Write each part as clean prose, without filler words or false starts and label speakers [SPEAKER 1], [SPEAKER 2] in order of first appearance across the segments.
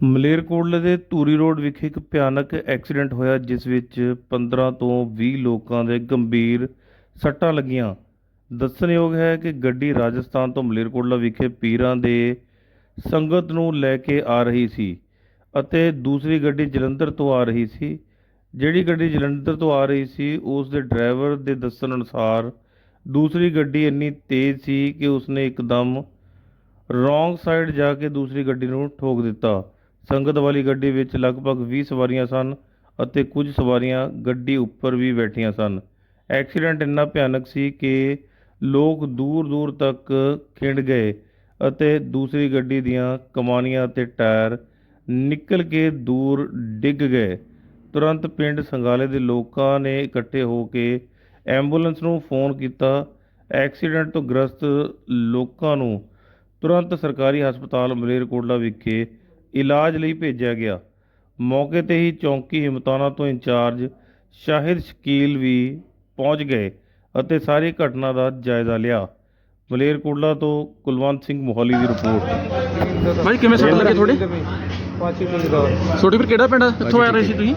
[SPEAKER 1] ਮਲੇਰਕੋਟਲੇ ਦੇ ਧੂਰੀ ਰੋਡ ਵਿਖੇ ਇੱਕ ਭਿਆਨਕ ਐਕਸੀਡੈਂਟ ਹੋਇਆ ਜਿਸ ਵਿੱਚ 15 ਤੋਂ 20 ਲੋਕਾਂ ਦੇ ਗੰਭੀਰ ਸੱਟਾਂ ਲੱਗੀਆਂ। ਦੱਸਣਯੋਗ ਹੈ ਕਿ ਗੱਡੀ ਰਾਜਸਥਾਨ ਤੋਂ ਮਲੇਰਕੋਟਲਾ ਵਿਖੇ ਪੀਰਾਂ ਦੇ ਸੰਗਤ ਨੂੰ ਲੈ ਕੇ ਆ ਰਹੀ ਸੀ ਅਤੇ ਦੂਸਰੀ ਗੱਡੀ ਜਲੰਧਰ ਤੋਂ ਆ ਰਹੀ ਸੀ। ਜਿਹੜੀ ਗੱਡੀ ਜਲੰਧਰ ਤੋਂ ਆ ਰਹੀ ਸੀ ਉਸ ਦੇ ਡਰਾਈਵਰ ਦੇ ਦੱਸਣ ਅਨੁਸਾਰ ਦੂਸਰੀ ਗੱਡੀ ਇੰਨੀ ਤੇਜ਼ ਸੀ ਕਿ ਉਸਨੇ ਇੱਕਦਮ ਰੋਂਗ ਸਾਈਡ ਜਾ ਕੇ ਦੂਸਰੀ ਗੱਡੀ ਨੂੰ ਠੋਕ ਦਿੱਤਾ। ਸੰਗਤ ਵਾਲੀ ਗੱਡੀ ਵਿੱਚ ਲਗਭਗ 20 ਸਵਾਰੀਆਂ ਸਨ ਅਤੇ ਕੁਝ ਸਵਾਰੀਆਂ ਗੱਡੀ ਉੱਪਰ ਵੀ ਬੈਠੀਆਂ ਸਨ। ਐਕਸੀਡੈਂਟ ਇੰਨਾ ਭਿਆਨਕ ਸੀ ਕਿ ਲੋਕ ਦੂਰ ਦੂਰ ਤੱਕ ਖਿੰਡ ਗਏ ਅਤੇ ਦੂਸਰੀ ਗੱਡੀ ਦੀਆਂ ਕਮਾਨੀਆਂ ਅਤੇ ਟਾਇਰ ਨਿਕਲ ਕੇ ਦੂਰ ਡਿੱਗ ਗਏ। ਤੁਰੰਤ ਪਿੰਡ ਸੰਗਾਲੇ ਦੇ ਲੋਕਾਂ ਨੇ ਇਕੱਠੇ ਹੋ ਕੇ ਐਂਬੂਲੈਂਸ ਨੂੰ ਫੋਨ ਕੀਤਾ। ਐਕਸੀਡੈਂਟ ਤੋਂ ਗ੍ਰਸਤ ਲੋਕਾਂ ਨੂੰ ਤੁਰੰਤ ਸਰਕਾਰੀ ਹਸਪਤਾਲ ਮਲੇਰਕੋਟਲਾ ਵਿਖੇ ਇਲਾਜ ਲਈ ਭੇਜਿਆ ਗਿਆ। ਮੌਕੇ ਤੇ ਹੀ ਚੌਂਕੀ ਹਿੰਮਤਾਨਾ ਤੋਂ ਇੰਚਾਰਜ ਸ਼ਾਹਿਦ ਸ਼ਕੀਲ ਵੀ ਪਹੁੰਚ ਗਏ ਅਤੇ ਸਾਰੀ ਘਟਨਾ ਦਾ ਜਾਇਜ਼ਾ ਲਿਆ। ਮਲੇਰਕੋਟਲਾ ਤੋਂ ਕੁਲਵੰਤ ਸਿੰਘ ਮੋਹਾਲੀ ਦੀ ਰਿਪੋਰਟ।
[SPEAKER 2] ਭਾਈ ਕਿਵੇਂ ਸੱਟ ਲੱਗੇ ਤੁਹਾਡੇ? ਛੋਟੀ ਵੀਰ ਕਿਹੜਾ ਪਿੰਡ? ਕਿੱਥੋਂ ਆ ਰਹੇ ਸੀ ਤੁਸੀਂ?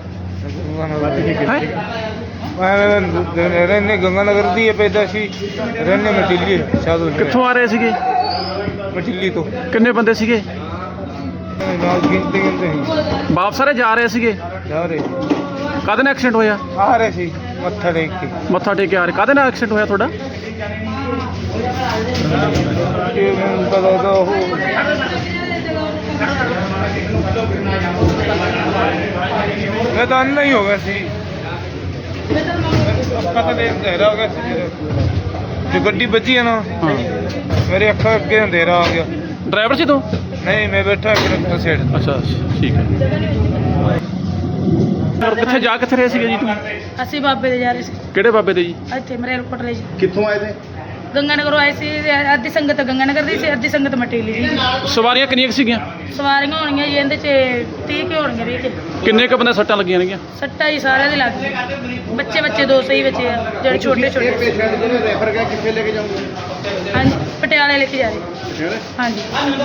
[SPEAKER 3] ਰਹਿਣੇ ਗੰਗਾਨਗਰ ਦੀ ਪੈਦਾਸ਼ੀ ਰਹਿਣੇ ਮਟਿੱਲੀ ਸਾਧੂ।
[SPEAKER 2] ਕਿੱਥੋਂ ਆ ਰਹੇ ਸੀਗੇ?
[SPEAKER 3] ਮਟਿੱਲੀ ਤੋਂ।
[SPEAKER 2] ਕਿੰਨੇ ਬੰਦੇ ਸੀਗੇ?
[SPEAKER 3] ਗਿਣਤੇ ਨਹੀਂ
[SPEAKER 2] ਵਾਪਸ ਸਾਰੇ ਜਾ ਰਹੇ ਸੀਗੇ?
[SPEAKER 3] ਜਾ ਰਹੇ
[SPEAKER 2] ਕਾਹਦੇ ਨਾਲ ਐਕਸੀਡੈਂਟ ਹੋਇਆ?
[SPEAKER 3] ਆ ਰਹੇ ਸੀ ਮੱਥਾ ਟੇਕ ਕੇ।
[SPEAKER 2] ਮੱਥਾ ਟੇਕ ਕੇ ਆ ਰਹੇ। ਕਾਹਦੇ ਨਾਲ ਐਕਸੀਡੈਂਟ ਹੋਇਆ ਤੁਹਾਡਾ?
[SPEAKER 3] ਇਹ ਮੈਨੂੰ ਪਤਾ ਤਾਂ ਉਹ ਮੈਂ ਤਾਂ ਅੰਨਾ ਹੀ ਹੋ ਗਿਆ ਸੀ। ਪਤਾ ਨਹੀਂ ਅੰਧੇਰਾ ਹੋ ਗਿਆ ਸੀ ਜੋ ਗੱਡੀ ਵੱਜੀ ਹੈ ਨਾ।
[SPEAKER 2] ਹਾਂ,
[SPEAKER 3] ਮੇਰੇ ਅੱਖਾਂ ਅੱਗੇ ਅੰਧੇਰਾ ਆ ਗਿਆ।
[SPEAKER 2] ਡਰਾਈਵਰ ਸੀ ਤੂੰ?
[SPEAKER 3] ਨਹੀਂ ਮੈਂ ਬੈਠਾ ਕਿਹੜਾ ਸਾਈਡ।
[SPEAKER 2] ਅੱਛਾ ਠੀਕ ਹੈ। ਹੋਰ ਕਿੱਥੇ ਜਾ ਕਿੱਥੇ ਰਹੇ ਸੀਗੇ ਜੀ ਤੁਸੀਂ?
[SPEAKER 4] ਅਸੀਂ ਬਾਬੇ ਦੇ ਜਾ ਰਹੇ ਸੀ।
[SPEAKER 2] ਕਿਹੜੇ ਬਾਬੇ ਦੇ ਜੀ?
[SPEAKER 4] ਇੱਥੇ ਮਲੇਰਕੋਟਲੇ ਜੀ।
[SPEAKER 2] ਕਿੱਥੋਂ ਆਏ ਤੇ?
[SPEAKER 4] ਗੰਗਾਨਗਰੋਂ ਆਏ ਸੀ। ਅੱਧੀ ਸੰਗਤ ਗੰਗਾਨਗਰ ਦੀ ਸੀ, ਅੱਧੀ ਸੰਗਤ ਮਟੀਲੀ ਦੀ।
[SPEAKER 2] ਸਵਾਰੀਆਂ ਕਿੰਨੀਆਂ ਕੁ ਸੀਗੀਆਂ?
[SPEAKER 4] ਸਵਾਰੀਆਂ ਹੋਣਗੀਆਂ ਜੀ ਇਹਦੇ 'ਚ 30 ਕੁ ਹੋਣਗੀਆਂ। 20 ਕੁ
[SPEAKER 2] ਕਿੰਨੇ ਕੁ ਬੰਦੇ ਸੱਟਾਂ ਲੱਗੀਆਂ ਨੇਗੀਆਂ?
[SPEAKER 4] ਸੱਟਾਂ ਜੀ ਸਾਰਿਆਂ ਦੇ ਲੱਗ ਗਏ। ਬੱਚੇ ਦੋ ਸਹੀ ਬੱਚੇ ਆ ਜਿਹੜੇ ਛੋਟੇ ਛੋਟੇ।
[SPEAKER 3] ਰੈਫਰ ਕਰ ਕਿੱਥੇ ਲੈ ਕੇ ਜਾਓਗੇ?
[SPEAKER 4] ਹਾਂਜੀ ਪਟਿਆਲੇ ਲੈ ਕੇ ਜਾ ਰਹੇ। ਹਾਂਜੀ।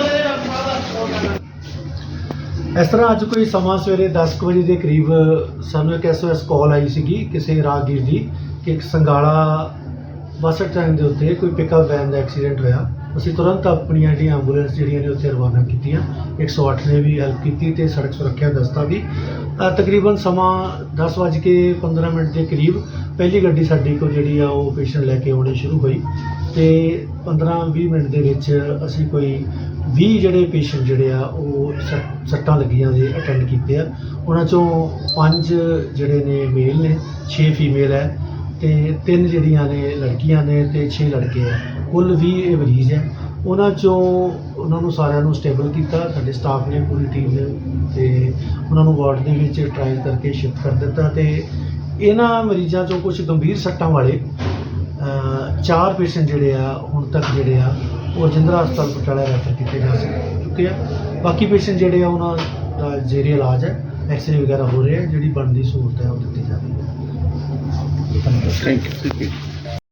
[SPEAKER 5] ਇਸ ਤਰ੍ਹਾਂ ਅੱਜ ਕੋਈ ਸਮਾਂ ਸਵੇਰੇ 10 ਕੁ ਵਜੇ ਦੇ ਕਰੀਬ ਸਾਨੂੰ ਇੱਕ SOS ਕਾਲ ਆਈ ਸੀਗੀ ਕਿਸੇ ਰਾਹਗੀਰ ਦੀ ਕਿ ਇੱਕ ਸੰਗਾਲਾ ਬੱਸ ਸਟੈਂਡ ਦੇ ਉੱਤੇ ਕੋਈ ਪਿਕਅਪ ਵੈਨ ਦਾ ਐਕਸੀਡੈਂਟ ਹੋਇਆ। ਅਸੀਂ ਤੁਰੰਤ ਆਪਣੀਆਂ ਜਿਹੜੀਆਂ ਐਂਬੂਲੈਂਸ ਜਿਹੜੀਆਂ ਨੇ ਉੱਥੇ ਰਵਾਨਾ ਕੀਤੀਆਂ। 108 ਨੇ ਵੀ ਹੈਲਪ ਕੀਤੀ ਤੇ ਸੜਕ ਸੁਰੱਖਿਆ ਦਸਤਾ ਵੀ। ਤਕਰੀਬਨ ਸਮਾਂ 10:15 ਦੇ ਕਰੀਬ ਪਹਿਲੀ ਗੱਡੀ ਸਾਡੀ ਕੋਲ ਜਿਹੜੀ ਆ ਉਹ ਪੇਸ਼ੈਂਟ ਲੈ ਕੇ ਆਉਣੀ ਸ਼ੁਰੂ ਹੋਈ ਤੇ 15-20 ਮਿੰਟ ਦੇ ਵਿੱਚ ਅਸੀਂ ਕੋਈ 20 ਜਿਹੜੇ ਪੇਸ਼ੈਂਟ ਜਿਹੜੇ ਆ ਉਹ ਸੱਟਾਂ ਲੱਗੀਆਂ ਦੇ ਅਟੈਂਡ ਕੀਤੇ ਆ। ਉਹਨਾਂ ਚੋਂ 5 ਜਿਹੜੇ ਨੇ ਮੇਲ ਨੇ, 6 ਫੀਮੇਲ ਹੈ ਤੇ 3 ਜਿਹੜੀਆਂ ਨੇ ਲੜਕੀਆਂ ਨੇ ਤੇ 6 ਲੜਕੇ ਆ। ਕੁੱਲ 20 ਇਹ ਮਰੀਜ਼ ਹੈ। ਉਹਨਾਂ ਨੂੰ ਸਾਰਿਆਂ ਨੂੰ ਸਟੇਬਲ ਕੀਤਾ ਸਾਡੇ ਸਟਾਫ ਨੇ, ਪੂਰੀ ਟੀਮ ਨੇ, ਤੇ ਉਹਨਾਂ ਨੂੰ ਵਾਰਡ ਦੇ ਵਿੱਚ ਟ੍ਰਾਇਲ ਕਰਕੇ ਸ਼ਿਫਟ ਕਰ ਦਿੱਤਾ। ਤੇ ਇਹਨਾਂ ਮਰੀਜ਼ਾਂ ਚੋਂ ਕੁਝ ਗੰਭੀਰ ਸੱਟਾਂ ਵਾਲੇ 4 ਪੇਸ਼ੈਂਟ ਜਿਹੜੇ ਆ ਹੁਣ ਤੱਕ ਜਿਹੜੇ ਆ ਉਹ ਰਜਿੰਦਰਾ ਹਸਪਤਾਲ ਪਟਿਆਲਾ ਰੈਫਰ ਕੀਤੇ ਜਾ ਚੁੱਕੇ ਆ। ਬਾਕੀ ਪੇਸ਼ੈਂਟ ਜਿਹੜੇ ਆ ਉਹਨਾਂ ਦਾ ਜ਼ੇਰੇ ਇਲਾਜ ਹੈ। ਐਕਸਰੇ ਵਗੈਰਾ ਹੋ ਰਹੇ ਆ। ਜਿਹੜੀ ਬਣਦੀ ਸਹੂਲਤ ਹੈ ਉਹ ਦਿੱਤੀ ਜਾ ਰਹੀ ਹੈ।
[SPEAKER 2] Thank you.